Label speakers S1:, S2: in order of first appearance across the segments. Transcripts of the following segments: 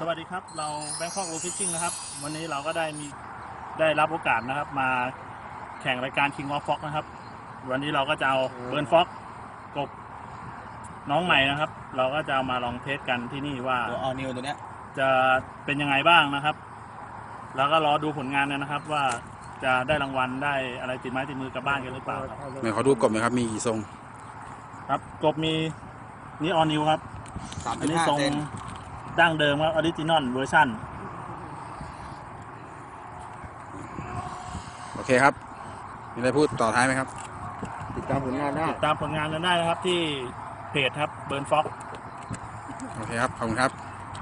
S1: สวัสดีครับเราแบงคอกโรฟิชชิ่งนะครับวันนี้เราก็ได้รับโอกาสนะครับมาแข่งรายการ King of Fox นะครับวันนี้เราก็จะเอาเบิร์นฟ็อกกบน้องใหม่นะครับเราก็จะมาลองเทสกันที่นี่ว่า
S2: ตัวออนิวตัวเนี้ย
S1: จะเป็นยังไงบ้างนะครับแล้วก็รอดูผลงานนะครับว่าจะได้รางวัลได้อะไรติดไม้ติดมือกลับบ้านกันหรือเปล่าครับ
S3: ไหนขอดูกบหน่อยครับมีกี่ทรง
S1: ครับกบมีนี่ออนิวครับอันนี้ทรงดั้งเดิมครับออริจินอลเวอร์ชัน
S3: โอเคครับมีอะไรพูดต่อท้ายไหมครับ
S2: ติดตามผลงานได้
S1: นะครับที่เพจครับเบิร์นฟ็อก
S3: โอเคครับขอบคุณครับ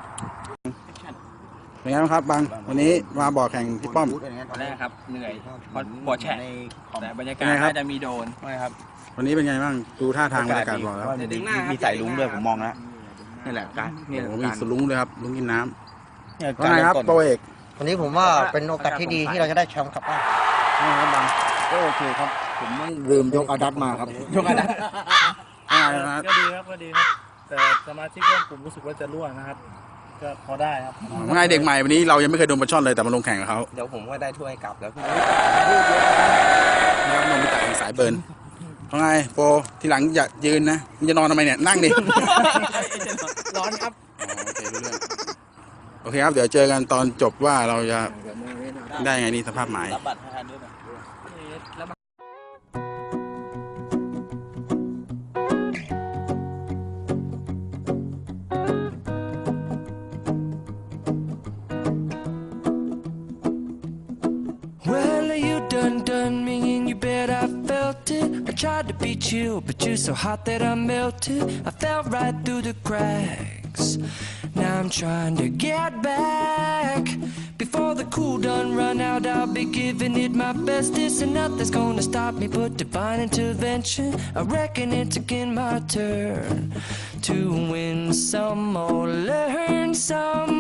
S3: เป็นไงบ้างครับบางวันนี้มาบ่อแข่งที่ป้อม
S2: ตอนแรกครับเหนื่อยพอปวดแฉะแต่บรรยากาศน่าจะมีโดนไม่ครับ
S3: วันนี้เป็นไงบ้างดูท่าทางบรรยากาศบ่อแล้ว
S2: มีสายลุ้งด้วยผมมองแล้วนี่แหละการ
S3: นี่มีสลุ้งด้วยครับลุ้งกินน้ำว่าไงครับโปรเอก
S4: วันนี้ผมว่าเป็นโอกาสที่ดีที่เราจะได้แชมป์กลับบ้าน
S2: ครับบางก็โอเคครับผมไม่ลืมยกอาดัตมาครับยกอาดัต
S1: ก็ดีครับแต่สมาชิกร่วมกลุ่มรู้สึกว่าจะรั่วนะครับก็พอได้ครับ
S3: ว่าไงเด็กใหม่วันนี้เรายังไม่เคยโดนปลาช่อนเลยแต่มาลงแข่งกับเขา
S2: เดี๋ยวผมก็ได้ถ้วยกลับแล้วพี่
S3: นมไปตัดสายเบิร์นว่าไงโปรทีหลังอย่ายืนนะจะนอนทำไมเนี่ยนั่งดิ
S2: ร้อนครับ
S3: โอเคครับเดี๋ยวเจอกันตอนจบว่าเราจะได้ไงนี่สภาพหมาย
S2: รับบัตรให้ทันด้วย
S5: Done me and you bet I felt it. I tried to be chill, but you're so hot that I melted. I fell right through the cracks. Now I'm trying to get back. Before the cool done run out, I'll be giving it my bestest, and nothing's gonna stop me but divine intervention. I reckon it's again my turn to win some or learn some